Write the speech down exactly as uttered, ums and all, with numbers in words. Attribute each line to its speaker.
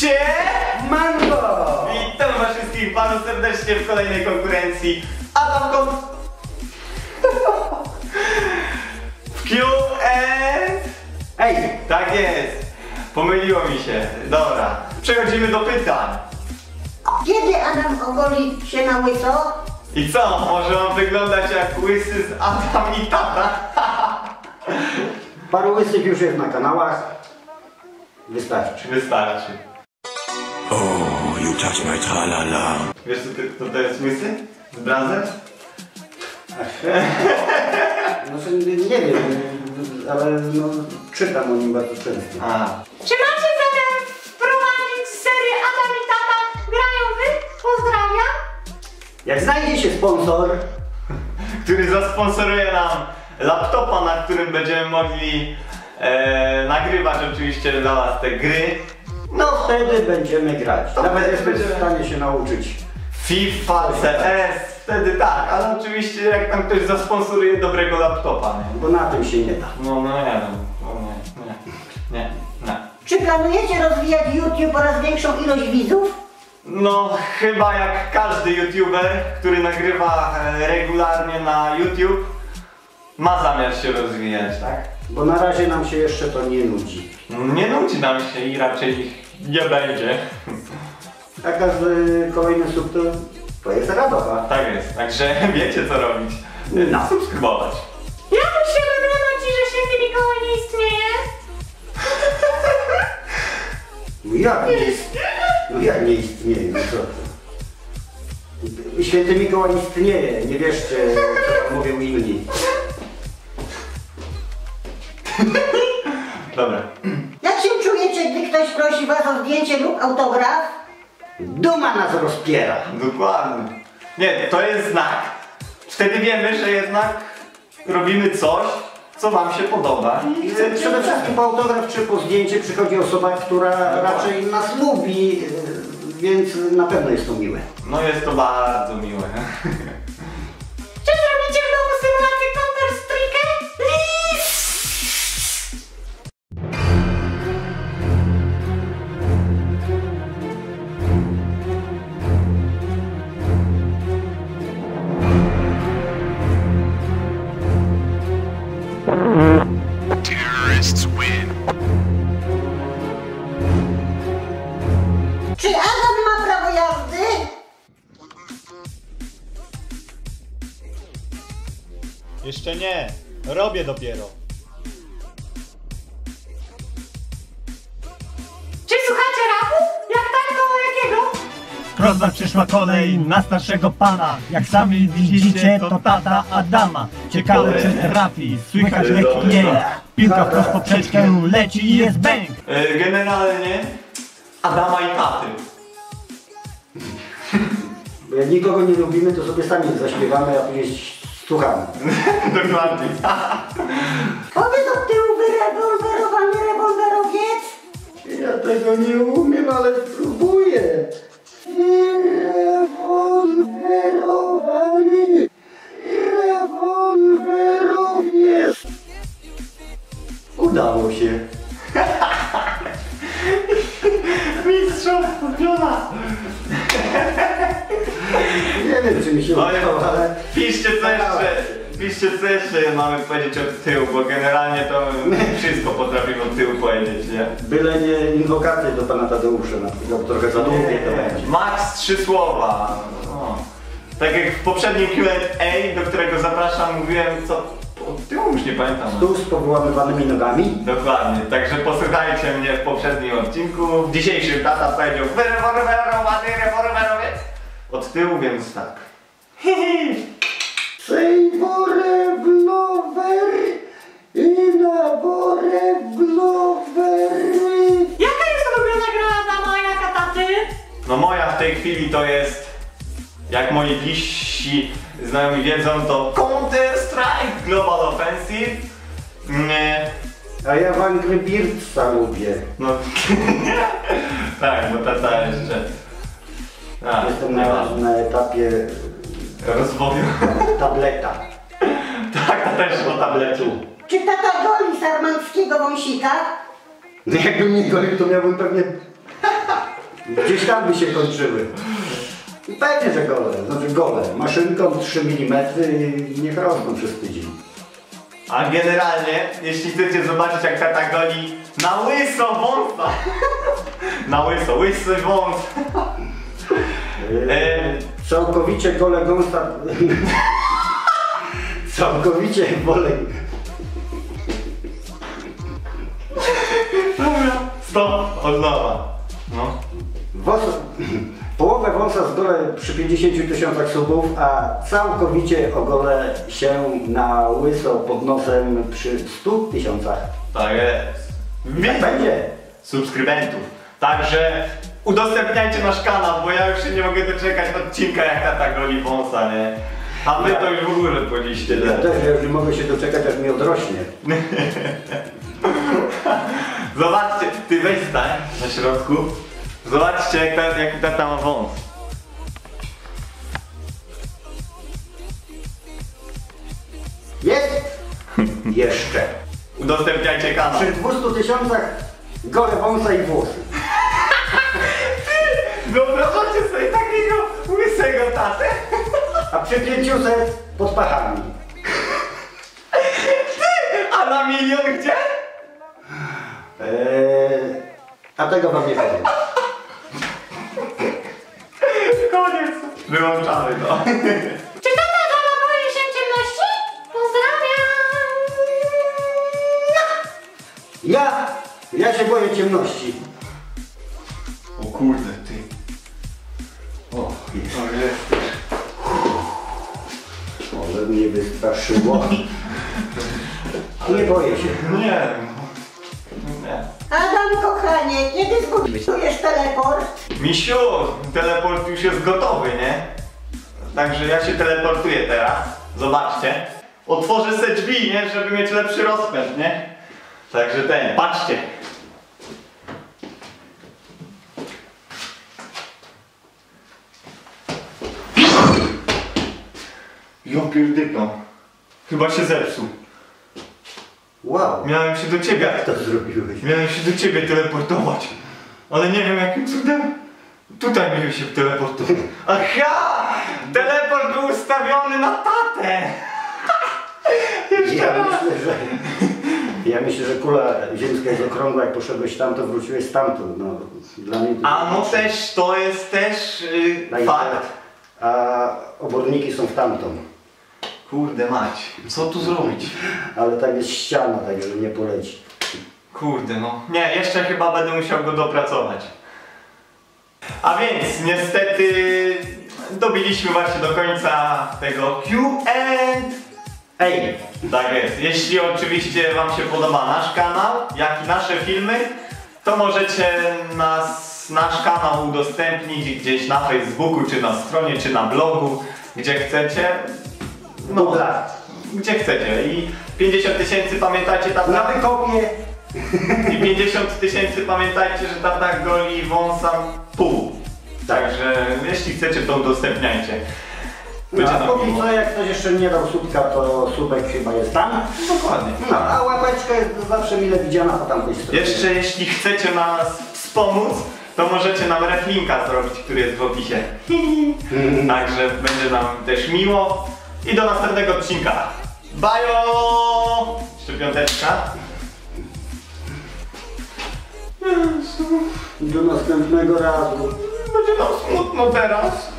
Speaker 1: Sie
Speaker 2: Mango!
Speaker 1: Witam was wszystkich bardzo serdecznie w kolejnej konkurencji Adam Kont w Q and
Speaker 2: Ej!
Speaker 1: Tak jest! Pomyliło mi się. Dobra, przechodzimy do pytań.
Speaker 3: Kiedy Adam ogoli się na łyso?
Speaker 1: I co? Może on wyglądać jak łysy z Adam i tata?
Speaker 2: Paru łysych już jest na kanałach. Wystarczy.
Speaker 1: Wystarczy.
Speaker 4: Oh, you touch my tralala.
Speaker 1: Wiesz co, ty, kto to jest łysy? Z Brazem?
Speaker 2: Znaczy, nie wiem, ale no, czytam o nim bardzo często.
Speaker 1: A.
Speaker 3: Czy macie zamiar wprowadzić serię Adam i tata grają wy? Pozdrawiam.
Speaker 2: Jak znajdzie się sponsor,
Speaker 1: Który zasponsoruje nam laptopa, na którym będziemy mogli e, nagrywać oczywiście dla was te gry.
Speaker 2: no wtedy będziemy grać.
Speaker 1: To
Speaker 2: Nawet
Speaker 1: wtedy
Speaker 2: jesteśmy w
Speaker 1: będziemy-
Speaker 2: stanie się nauczyć.
Speaker 1: FIFA, C S, wtedy tak, ale oczywiście jak tam ktoś zasponsoruje dobrego laptopa, nie?
Speaker 2: Bo na tym się nie da.
Speaker 1: No, no nie wiem, no nie, nie, nie, nie.
Speaker 3: Czy planujecie rozwijać YouTube oraz większą ilość widzów?
Speaker 1: No chyba jak każdy youtuber, który nagrywa e, regularnie na YouTube, ma zamiar się rozwijać, tak?
Speaker 2: Bo na razie nam się jeszcze to nie nudzi.
Speaker 1: Nie nudzi nam się i raczej ich nie będzie.
Speaker 2: A każdy kolejny sub to, to jest radowa.
Speaker 1: Tak jest, także wiecie co robić.
Speaker 2: No.
Speaker 1: Subskrybować.
Speaker 3: Jak się wygląda ci, że święty Mikołaj nie istnieje?
Speaker 2: No jak nie istnieje? No jak nie istnieje? No co to? Święty Mikołaj istnieje, nie wierzcie, co mówią inni.
Speaker 1: Dobra.
Speaker 3: Jak się czujecie, gdy ktoś prosi was o zdjęcie lub autograf?
Speaker 2: Duma nas rozpiera.
Speaker 1: Dokładnie. Nie, to jest znak. Wtedy wiemy, że jednak robimy coś, co wam się podoba. I
Speaker 2: Przede
Speaker 1: chcemy
Speaker 2: wszystkim po autograf czy po zdjęcie przychodzi osoba, która raczej nas lubi, yy, więc na pewno jest to miłe.
Speaker 1: No jest to bardzo miłe.
Speaker 3: Czy zrobicie w domu symulację Counter-Strike?
Speaker 4: Terrorists win.
Speaker 3: Czy Adam ma prawo jazdy?
Speaker 5: Jeszcze nie, robię dopiero.
Speaker 3: Czy słuchacie rapu? Jak tak, to jakiego?
Speaker 5: Proza przyszła kolej na starszego pana. Jak sami widzicie, to tata Adama. Ciekawe czy trafi, słychać lekki jęk. Piłka wprost po poprzeczkę leci i jest bęk.
Speaker 1: E, Generalnie Adama i taty.
Speaker 2: Bo jak nikogo nie lubimy, to sobie sami zaśpiewamy, a później słuchamy.
Speaker 1: Dokładnie.
Speaker 3: Powiedz od tyłu wyrewolwerowany rewolwerowiec.
Speaker 2: Ja tego nie umiem, ale spróbuję. Rewolwerowany rewolwerowiec. Udało się.
Speaker 1: Mistrzostwo piona.
Speaker 2: Nie wiem, czy mi się
Speaker 1: No,
Speaker 2: udało, ale...
Speaker 1: piszcie co jeszcze, piszcie co jeszcze mamy powiedzieć od tyłu, bo generalnie to wszystko potrafimy od tyłu powiedzieć, nie?
Speaker 2: Byle nie inwokacje do pana Tadeusza, na przykład trochę za długie to będzie.
Speaker 1: Max trzy słowa. No. Tak jak w poprzednim Q and A, do którego zapraszam, mówiłem co od tyłu już nie pamiętam.
Speaker 2: Stół z powyłamywanymi nogami.
Speaker 1: Dokładnie, także posłuchajcie mnie w poprzednim odcinku. W dzisiejszym tata powiedział wyrewolwerowany rewolwerowiec. Od tyłu, więc tak.
Speaker 2: Sejworewlower i naworewlower.
Speaker 3: Jaka jest ulubiona gra Adama, a jaka taty?
Speaker 1: No moja w tej chwili to jest, jak moi bliżsi znajomi wiedzą, to Counter-Strike Global Offensive. Nie.
Speaker 2: A ja w Angry Birdsa lubię.
Speaker 1: No. Tak, bo tata jeszcze. A,
Speaker 2: Jestem na, na etapie
Speaker 1: rozwoju.
Speaker 2: tableta.
Speaker 1: Tak, tata też o tabletu.
Speaker 3: Czy tata goli sarmanckiego wąsika?
Speaker 2: No jakbym nie golił, to miałbym pewnie Gdzieś tam by się kończyły. I pewnie, że gole, znaczy gole. Maszynką trzy milimetry i niech rosną przez tydzień.
Speaker 1: A generalnie, jeśli chcecie zobaczyć jak tata goli na łyso wąsa. Na łyso, łysy wąs.
Speaker 2: E, całkowicie gole gąsa. Całkowicie wolę.
Speaker 1: Dobra, stop, od nowa. No.
Speaker 2: Wąs, połowę wąsa zgolę przy pięćdziesięciu tysiącach subów, a całkowicie ogolę się na łyso pod nosem przy stu tysiącach.
Speaker 1: Tak jest.
Speaker 2: Tak będzie.
Speaker 1: Subskrybentów. Także udostępniajcie nasz kanał, bo ja już się nie mogę doczekać odcinka jak tata goli wąsa, nie? A wy to już w ogóle poliście.
Speaker 2: Ja też, ja już nie mogę się doczekać, aż mi odrośnie.
Speaker 1: Zobaczcie, ty weź stań na środku. Zobaczcie jak, ta, jak tata ma wąs.
Speaker 2: Jest? Jeszcze.
Speaker 1: Udostępniajcie kanał.
Speaker 2: Przy dwustu tysiącach gole wąsa i włosy.
Speaker 1: Wyobrażacie sobie takiego łysego tatę?
Speaker 2: A przy pięciuset pod pachami.
Speaker 1: A na milion gdzie?
Speaker 2: Eee, a tego wam nie powiem.
Speaker 1: Koniec. Wyłączamy to.
Speaker 3: Czy tata Gala boi się ciemności? Pozdrawiam!
Speaker 2: Ja, ja się boję ciemności.
Speaker 1: O kurde, ty.
Speaker 2: O, jest.
Speaker 1: O, jest.
Speaker 2: Ale mnie wystraszyło. Nie boję się.
Speaker 1: Nie. Nie.
Speaker 6: Adam, kochanie, kiedy zbudujesz teleport?
Speaker 1: Misiu, teleport już jest gotowy, nie? Także ja się teleportuję teraz. Zobaczcie. Otworzę se drzwi, nie? Żeby mieć lepszy rozpęd, nie? Także ten, patrzcie. Ja pierdykam. Chyba się zepsuł.
Speaker 2: Wow,
Speaker 1: Miałem się do ciebie.
Speaker 2: jak to zrobiłeś?
Speaker 1: Miałem się do ciebie teleportować. Ale nie wiem jakim cudem. Tutaj miałem się teleportować. Aha! Teleport był ustawiony na tatę! Jeszcze
Speaker 2: Ja
Speaker 1: raz.
Speaker 2: myślę, że... Ja myślę, że kula ziemska jest okrągła, jak poszedłeś tam, to wróciłeś stamtąd. No, dla mnie to
Speaker 1: A no też, to jest też yy,
Speaker 2: Tak,
Speaker 1: fakt.
Speaker 2: A oborniki są w tamtą.
Speaker 1: Kurde mać, co tu zrobić?
Speaker 2: Ale tak jest ściana, także nie poleci.
Speaker 1: Kurde no. Nie, jeszcze chyba będę musiał go dopracować. A więc niestety dobiliśmy właśnie do końca tego Q and
Speaker 2: Ej!
Speaker 1: Tak jest. Jeśli oczywiście wam się podoba nasz kanał, jak i nasze filmy, to możecie nas, nasz kanał udostępnić gdzieś na Facebooku, czy na stronie, czy na blogu, gdzie chcecie. No,
Speaker 2: Dobra.
Speaker 1: gdzie chcecie. I pięćdziesiąt tysięcy pamiętajcie
Speaker 2: Na
Speaker 1: tata.
Speaker 2: wykopie!
Speaker 1: I pięćdziesiąt tysięcy pamiętajcie, że tata goli wąsa pół. Także jeśli chcecie, to udostępniajcie.
Speaker 2: No,
Speaker 1: Będzie
Speaker 2: a
Speaker 1: nam
Speaker 2: póki
Speaker 1: miło.
Speaker 2: co, jak ktoś jeszcze nie dał słupka, to słupek chyba jest tam.
Speaker 1: Dokładnie.
Speaker 2: No, a łapeczka jest zawsze mile widziana po tamtej stronie.
Speaker 1: Jeszcze jeśli chcecie nas wspomóc, to możecie nam reflinka zrobić, który jest w opisie. Także będzie nam też miło. I do następnego odcinka. Bajo! Jeszcze piąteczka.
Speaker 2: Do następnego razu.
Speaker 1: Będzie nam smutno teraz.